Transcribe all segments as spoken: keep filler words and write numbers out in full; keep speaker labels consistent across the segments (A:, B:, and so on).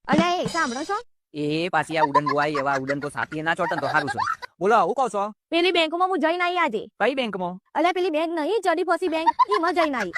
A: અરે એ સાંભળો છો
B: એ પાછી આ ઉડન ગોવાય એવા ઉડન કો સાથી ના ચોટન તો સારું છે. બોલો હું કહો છો?
A: પેલી બેંકમાં હું જઈને આવી આજે.
B: કઈ બેંકમાં?
A: અરે પેલી બેંક નહીં ચડી ફસી બેંક એમાં જઈને આવી.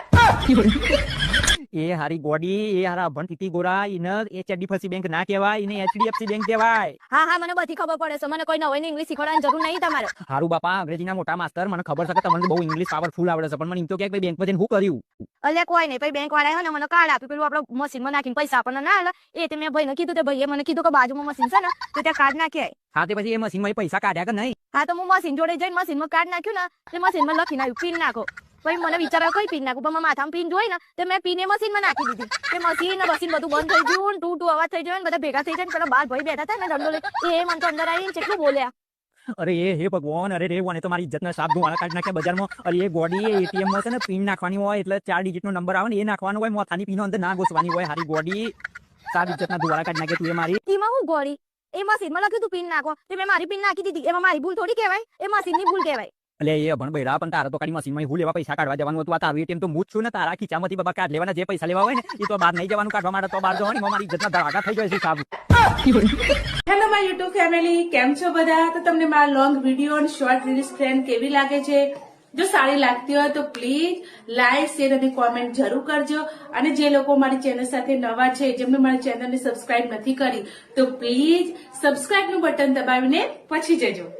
B: એ હારી ગોડી એ હારા અભણ તીતી ગોરા એને એ ચડ્ડી ફસી બેંક ના કહેવાય, એને એચડીએફસી બેંક કહેવાય.
A: હા હા મને બધી ખબર પડે છે, મને કોઈ નવી ઇંગ્લિશ શીખવાડવાની જરૂર નહીં તમારે.
B: હારું બાપા અંગ્રેજીના મોટા માસ્તર, મને ખબર છે કે તમને બહુ ઇંગ્લિશ પાવરફુલ આવડે છે, પણ મને એમ તો કે ભાઈ બેંકમાં જઈને શું કર્યું?
A: અલ્યા કોઈ નહીં, પછી બેંક વાળા ને મને કાર્ડ આપ્યું, પેલું આપણે મશીનમાં નાખીને પૈસા આપણને ના આલે એ તે મેં ભાઈને કીધું, તે ભાઈએ મને કીધું કે બાજુમાં મશીન છે ને તો ત્યાં કાર્ડ નાખ્યા.
B: હા તે પછી એ મશીનમાં પૈસા કાઢ્યા કે નહીં?
A: હા તો હું મશીન જોડે જઈને મશીનમાં કાર્ડ નાખ્યું ને તે મશીનમાં લખીને આવ્યું પિન નાખો. પછી મને વિચાર કઈ પિન નાખું, પણ મારા માથામાં પિન જોઈ ને તો મેં પિન એ મશીનમાં નાખી દીધી. તે મશીન ને મશીન બધું બંધ થઈ ગયું, ટુ ટુ અવાજ થઈ ગયો, બધા ભેગા થઈ જાય. પેલા બાર ભાઈ બેઠા હતા ને દંડો લઈ એ મને તો અંદર આવીને કેટલું બોલ્યા.
B: અરે એ હે ભગવાન, અરે રે મને તો મારી ઇજ્જતના સાપ ધોવાના કાઢી નાખ્યા બજારમાં. અરે એ ગોડી એ એટીએમ માં છે ને પિન નાખવાની હોય, એટલે ચાર ડિજિટ નો નંબર આવે ને એ નાખવાનો હોય, મોથાની પિનો અંદર ના ઘોસવાની હોય. હારી ગોડી સાપ ઇજ્જતના ધોવાના કાઢી નાખ્યા તું એ મારી.
A: એમાં હું ગોળી એ મશીનમાં લખ્યું તું પિન નાખો, તે મેં મારી પિન નાખી દીધી. એમાં મારી ભૂલ થોડી કહેવાય, એ મશીનની ભૂલ કહેવાય.
B: એટલે એ ભણ બૈરા પણ તારા તો કાઢી મશીનમાં હું લેવા પૈસા કાઢવા જવાનું હતું. આ તારું એટીએમ તો હું જ છું ને, તારા ખીચામાંથી બાબા કાઢ લેવાના, જે પૈસા લેવા હોય ને એ તો બહાર નહીં જવાનું કાઢવા માટે, તો બહાર જવાની મારી ઇજ્જતના ધડાકા થઈ જાય છે સાહેબ.
C: હેલો માય યુટ્યુબ ફેમિલી, કેમ છો બધા? તો તમને મારા લોંગ વિડીયો અને શોર્ટ રીલ્સ ટ્રેન્ડ કેવી લાગે છે? જો સારી લાગતી હોય તો પ્લીઝ લાઈક, શેર અને કોમેન્ટ જરૂર કરજો. અને જે લોકો મારી ચેનલ સાથે નવા છે, જેમને મારી ચેનલને સબસ્ક્રાઇબ નથી કરી, તો પ્લીઝ સબસ્ક્રાઇબ નું બટન દબાવીને પછી જજો.